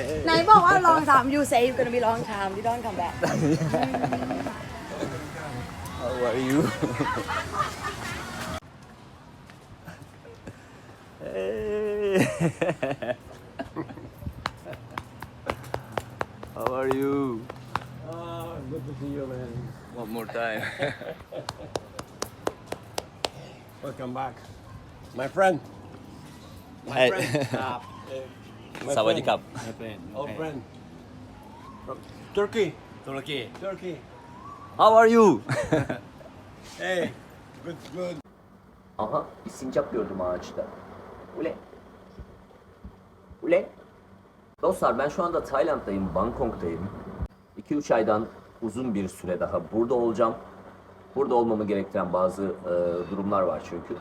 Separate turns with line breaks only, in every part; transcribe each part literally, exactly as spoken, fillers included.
ไหนบอกว่า long time you say you gonna be long time you don't come back
How are you? Hey. How are you?
Oh, good to see you, man.
One more time.
Welcome back. My friend. My
Hey.
friend. Uh, my
Sawadee
friend.
krap.
My friend.
Old
Okay.
friend. From Turkey.
Turkey.
Turkey.
How are you?
Hey. Good, good.
Aha, bir sincap gördüm ağaçta. Ule. Ule. Dostlar ben şu anda Tayland'dayım, Bangkok'tayım. iki üç aydan uzun bir süre daha burada olacağım. Burada olmamı gerektiren bazı e, durumlar var çünkü.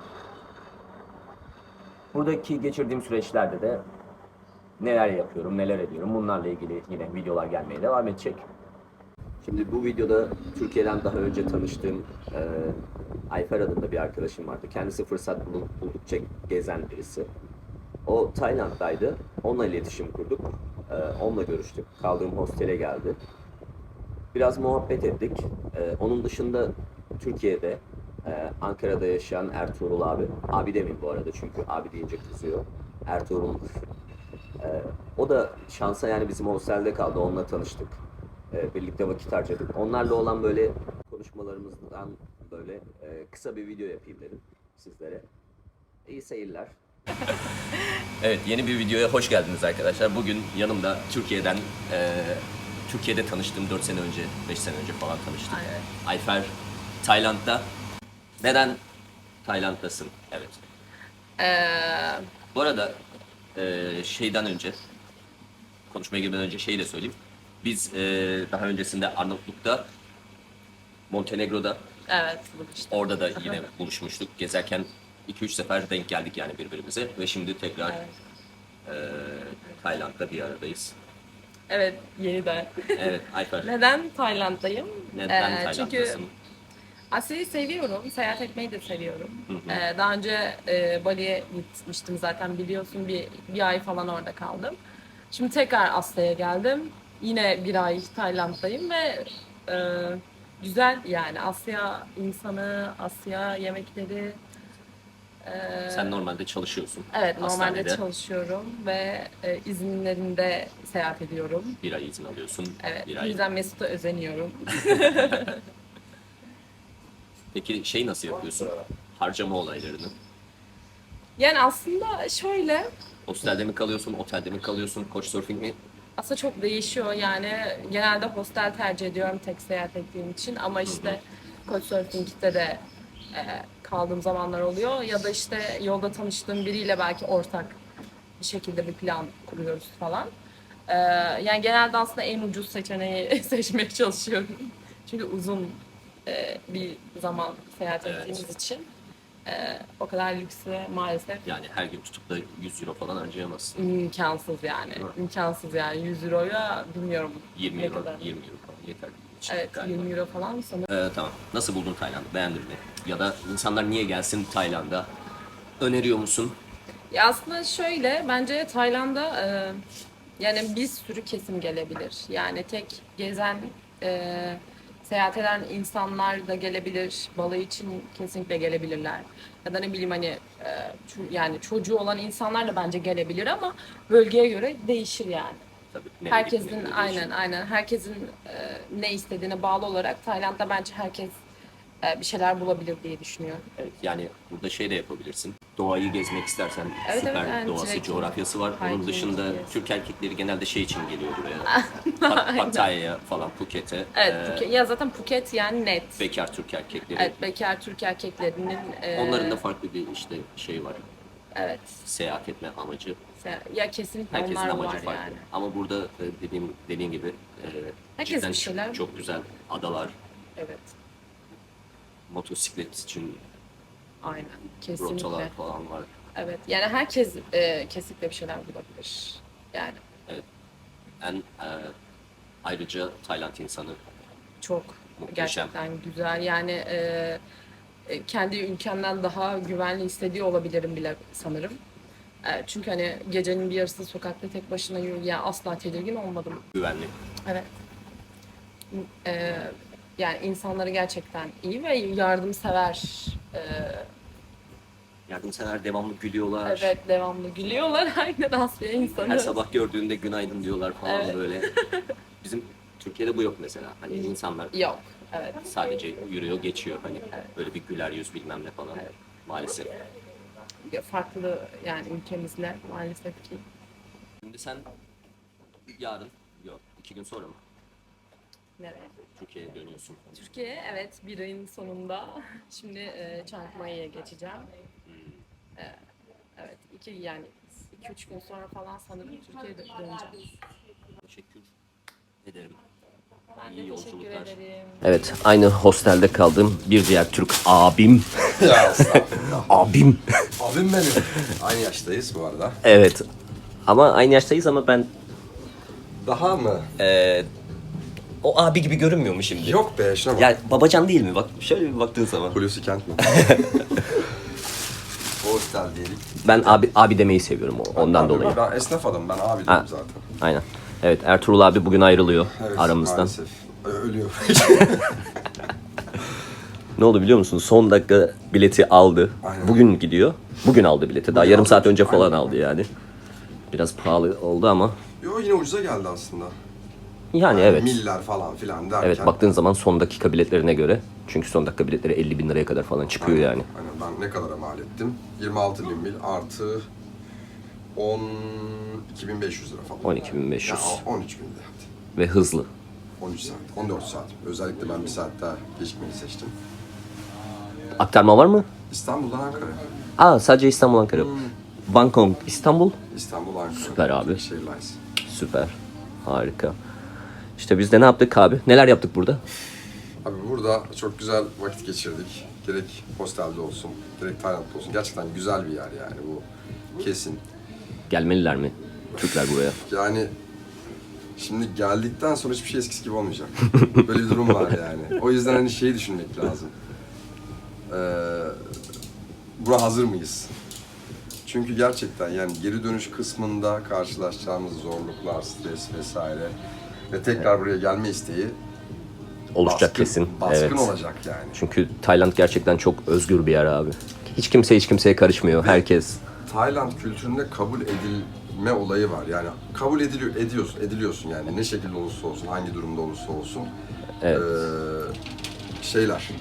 Buradaki geçirdiğim süreçlerde de neler yapıyorum, neler ediyorum bunlarla ilgili yine videolar gelmeye devam edecek. Şimdi bu videoda Türkiye'den daha önce tanıştığım e, Ayfer adında bir arkadaşım vardı. Kendisi fırsat bulup buldukça gezen birisi. O Tayland'daydı. Onunla iletişim kurduk. E, onunla görüştük. Kaldığım hostele geldi. Biraz muhabbet ettik. E, onun dışında Türkiye'de, e, Ankara'da yaşayan Ertuğrul abi. Abi demeyeyim bu arada çünkü abi deyince kızıyor. Ertuğrul. e, o da şansa yani bizim hostelde kaldı. Onunla tanıştık. E, birlikte vakit harcadık. Onlarla olan böyle konuşmalarımızdan böyle e, kısa bir video yapayım dedim sizlere. İyi seyirler. Evet, yeni bir videoya hoş geldiniz arkadaşlar. Bugün yanımda Türkiye'den, e, Türkiye'de tanıştığım dört sene önce, beş sene önce falan tanıştık.
Aynen.
Ayfer, Tayland'da. Neden Tayland'dasın? Evet.
Ee,
Bu arada e, şeyden önce, konuşmaya girmeden önce şeyi de söyleyeyim. Biz e, daha öncesinde Arnavutluk'ta, Montenegro'da,
evet bu işte.
orada da yine buluşmuştuk. Gezerken iki üç sefer denk geldik yani birbirimize ve şimdi tekrar
Evet.
e, Tayland'da bir aradayız.
Evet yeniden.
Evet, Ayfer.
Neden Tayland'dayım?
Neden
Ee,
Tayland'dasın?
Çünkü Asya'yı seviyorum, seyahat etmeyi de seviyorum. Ee, daha önce e, Bali'ye gitmiştim zaten biliyorsun bir, bir ay falan orada kaldım. Şimdi tekrar Asya'ya geldim. Yine bir ay Tayland'dayım ve e, güzel yani Asya insanı, Asya yemekleri. e,
Sen normalde çalışıyorsun.
Evet normalde
Hastanede
çalışıyorum ve e, izinlerinde seyahat ediyorum.
bir ay izin alıyorsun.
Evet,
Bir
bu
ay.
yüzden Mesut'a özeniyorum.
Peki şey nasıl yapıyorsun? Harcama olaylarını.
Yani aslında şöyle,
Hostelde mi kalıyorsun, otelde mi kalıyorsun, couchsurfing mi?
aslında çok değişiyor yani genelde hostel tercih ediyorum tek seyahat ettiğim için ama işte Couchsurfing'de de e, kaldığım zamanlar oluyor ya da işte yolda tanıştığım biriyle belki ortak bir şekilde bir plan kuruyoruz falan. E, yani genelde aslında en ucuz seçeneği seçmeye çalışıyorum. Çünkü uzun e, bir zaman seyahat
Evet.
ettiğimiz için e, o kadar lükse maalesef
Yani her gün tutup da yüz euro falan harcayamazsın.
imkansız yani.
Değil mi?
İmkansız yani yüz euroya bilmiyorum
yirmi
ne
euro,
kadar.
yirmi euro falan yeter. için
Evet
galiba.
yirmi euro falan sanırım.
Ee, tamam. Nasıl buldun Tayland'ı? Beğendin mi? Ya da insanlar niye gelsin Tayland'a? Öneriyor musun?
Ya aslında şöyle bence Tayland'a e, yani bir sürü kesim gelebilir. Yani tek gezen e, seyahat eden insanlar da gelebilir. Balayı için kesinlikle gelebilirler. Ya da ne bileyim hani e, ço- yani çocuğu olan insanlar da bence gelebilir ama bölgeye göre değişir yani.
Tabii. nereye
Herkesin
gittiğine göre
aynen
değişir.
aynen herkesin e, ne istediğine bağlı olarak Tayland'da bence herkes e, bir şeyler bulabilir diye düşünüyorum.
Evet, yani burada şey de yapabilirsin. Doğayı gezmek istersen
Evet,
süper
evet, yani
doğası,
trekking,
coğrafyası var. Onun
hiking,
dışında
yes.
Türk erkekleri genelde şey için geliyor buraya. Pat- Pattaya'ya falan, Phuket'e.
Evet,
Ee,
Phuket, ya zaten Phuket yani net.
bekar Türk erkekleri.
Evet, bekar Türk erkeklerinin e,
Onların da farklı bir işte şey var.
evet,
Seyahat etme amacı.
se- ya kesinlikle
Herkesin
onlar
amacı
var
farklı.
yani.
Ama burada e, dediğim dediğin gibi e,
Herkes
cidden
bir şeyler-
çok, çok güzel adalar,
Evet,
motosiklet için
aynen, kesinlikle.
rotalar falan var.
Evet, yani herkes e, kesinlikle bir şeyler bulabilir. Yani
En e, ayrıca Tayland insanı
çok
Muhteşem.
gerçekten güzel. Yani e, e, kendi ülkemden daha güvenli hissediyor olabilirim bile sanırım. E, çünkü hani gecenin bir yarısı sokakta tek başına yürü, yani asla tedirgin olmadım.
Güvenli.
Evet. E, Yani insanları gerçekten iyi ve yardımsever. E,
Yardımsever, devamlı gülüyorlar.
evet, devamlı gülüyorlar. Aynen, Asya insanı.
Her sabah gördüğünde günaydın diyorlar falan
Evet.
böyle. Bizim Türkiye'de bu yok mesela. Hani insanlar
Yok. Evet.
sadece yürüyor, geçiyor. Hani böyle bir güler yüz bilmem ne falan. Maalesef.
Farklı yani ülkemizle maalesef ki.
Şimdi sen yarın, yok iki gün sonra mı
Nereye?
Türkiye'ye dönüyorsun?
Türkiye, evet, bir ayın sonunda. Şimdi e, Chiang Mai'ye geçeceğim. E, evet, iki yani iki üç gün sonra falan sanırım Türkiye'ye dö- döneceğiz.
Teşekkür ederim.
Ben de
İyi
teşekkür
yolculuklar.
ederim.
Evet, aynı hostelde kaldığım bir diğer Türk abim.
Ya estağfurullah.
Abim.
Abim benim. Aynı yaştayız bu arada.
Evet. Ama aynı yaştayız ama ben
Daha mı?
eee, o abi gibi görünmüyor mu şimdi?
Yok be şuna bak.
Ya babacan değil mi? Bak şöyle bir baktığın zaman.
Hulusi Kent mi? Hostel diyelim.
Ben abi abi demeyi seviyorum o- ondan
Abi,
dolayı.
Ben esnaf adamım. Ben abi
Ha.
diyorum zaten.
Aynen. Evet, Ertuğrul abi bugün ayrılıyor
Evet,
aramızdan.
maalesef. Ö- Ölüyor.
Ne oldu biliyor musun? Son dakika bileti aldı.
Aynen.
Bugün gidiyor. Bugün aldı bileti. Daha
Bugün
yarım
aldı.
saat önce falan
Aynen.
aldı yani. Biraz pahalı oldu ama.
Yo yine ucuza geldi aslında.
Yani evet.
Miller falan filan derken.
Evet, baktığın zaman son dakika biletlerine göre. Çünkü son dakika biletleri elli bin liraya kadar falan çıkıyor
Aynen,
yani.
Aynen. Ben ne kadara mal ettim? yirmi altı bin mil artı on iki bin beş yüz lira falan.
on iki bin beş yüz.
Ya, on üç bin de yaptı.
Ve hızlı.
on üç saat, on dört saat. Özellikle ben bir saat daha gecikmeyi seçtim.
Aktarma var mı?
İstanbul'dan Ankara'ya.
Aa, sadece İstanbul, Ankara.
Hmm.
Bangkok, İstanbul.
İstanbul, Ankara.
Süper abi.
Şehir Lines.
Süper. Harika. İşte biz de ne yaptık abi? Neler yaptık burada?
Abi burada çok güzel vakit geçirdik. Gerek hostelde olsun, gerek Tayland'da olsun. Gerçekten güzel bir yer yani bu. Kesin.
Gelmeliler mi Türkler buraya?
Yani şimdi geldikten sonra hiçbir şey eskisi gibi olmayacak. Böyle bir durum var yani. O yüzden hani şeyi düşünmek lazım. Ee, buna hazır mıyız? Çünkü gerçekten yani geri dönüş kısmında karşılaşacağımız zorluklar, stres vesaire ve tekrar buraya gelme isteği
Oluşacak
baskın,
kesin.
baskın
Evet.
olacak yani.
Çünkü Tayland gerçekten çok özgür bir yer abi. Hiç kimse hiç kimseye karışmıyor. Herkes.
Tayland kültüründe kabul edilme olayı var. Yani kabul ediliyor, ediyorsun, ediliyorsun yani ne şekilde olursa olsun, hangi durumda olursa olsun.
Evet.
Ee, şeyler.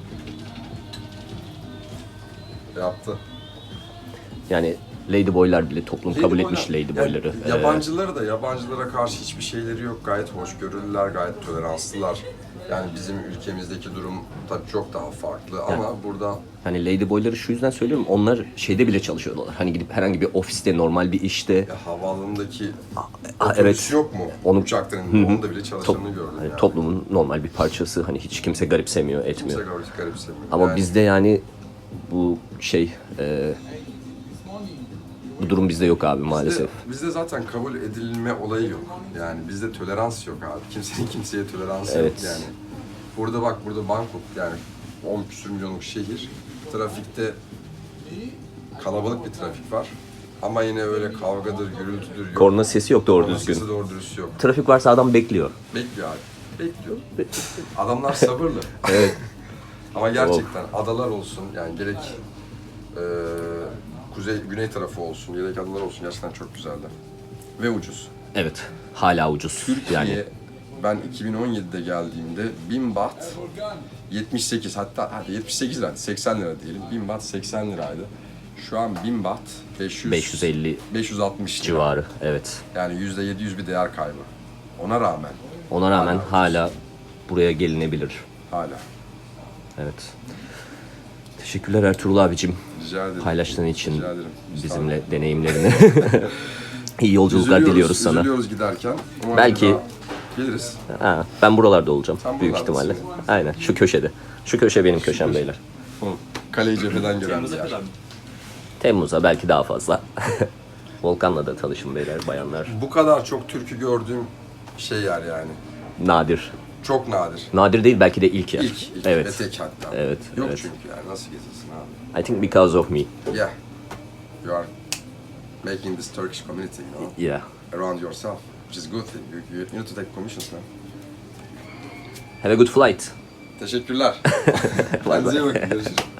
Yaptı.
Yani ladyboylar bile toplum kabul
Ladyboylar-
etmiş ladyboyları.
Yani
Ee,
yabancıları da yabancılara karşı hiçbir şeyleri yok. Gayet hoşgörülüler, gayet toleranslılar. Yani bizim ülkemizdeki durum tabii çok daha farklı ama burada
Hani ladyboyları şu yüzden söylüyorum. Onlar şeyde bile çalışıyorlar. Hani gidip herhangi bir ofiste, normal bir işte.
ya, havaalanındaki
Aa,
otobüs
evet.
yok mu?
Onu-
Uçakların
Hı hı.
onda bile
Top-
çalışanını gördüm
hani
yani.
toplumun normal bir parçası. Hani hiç kimse garipsemiyor, etmiyor.
Kimse garip, garipsemiyor.
Ama
Yani
bizde yani bu şey e, bu durum bizde yok abi maalesef.
Bizde, bizde zaten kabul edilme olayı yok. Yani bizde tolerans yok abi. Kimsenin kimseye toleransı
Evet.
yok yani. Burada bak burada Bangkok yani on küsur milyonluk şehir. Trafikte kalabalık bir trafik var. Ama yine öyle kavgadır, gürültüdür yok.
Korna sesi yok doğru
Korna
düzgün.
sesi doğru dürüst yok.
Trafik varsa adam bekliyor.
Bekliyor abi. Bekliyor. Adamlar sabırlı.
Evet.
Ama gerçekten adalar olsun yani gerek eee, kuzey güney tarafı olsun gerek adalar olsun gerçekten çok güzeldi. Ve ucuz.
Evet. Hala ucuz.
Türkiye
Yani
ben iki bin on yedide geldiğimde bin baht yetmiş sekiz hatta hadi yetmiş sekiz liraydı seksen lira diyelim. bin baht seksen liraydı. Şu an bin baht beş yüz
beş yüz elli
beş yüz altmış lira.
civarı. Evet.
Yani yüzde yedi yüz bir değer kaybı. Ona rağmen
Ona rağmen
ucuz.
hala buraya gelinebilir.
hala.
Evet. Teşekkürler Ertuğrul abicim.
Rica ederim.
Paylaştığın için
Rica ederim.
bizimle deneyimlerini. İyi yolculuklar
Üzülüyoruz,
diliyoruz sana.
Üzülüyoruz giderken. Umarım
Belki-
bir daha geliriz.
Ha, ben buralarda olacağım
Sen
büyük
buralardasın.
ihtimalle. Aynen şu köşede. Şu köşe benim köşem beyler.
Hı. Kaleyi cepheden gören bir yer.
Temmuz'a belki daha fazla. Volkan'la da tanışın beyler, bayanlar.
Bu kadar çok türkü gördüğüm şey yer yani.
Nadir.
Çok nadir.
Nadir değil belki de ilk yer.
İlk, ilk
Evet.
ve tek hatta.
Evet,
Yok
evet.
çünkü yani nasıl gezilsin abi.
I think because of me.
Yeah. You are making this Turkish community, you know,
Yeah.
around yourself, which is a good thing. You, you, you need to take commissions, man.
Have a good flight.
Teşekkürler. Kendinize iyi bakın. Görüşürüz.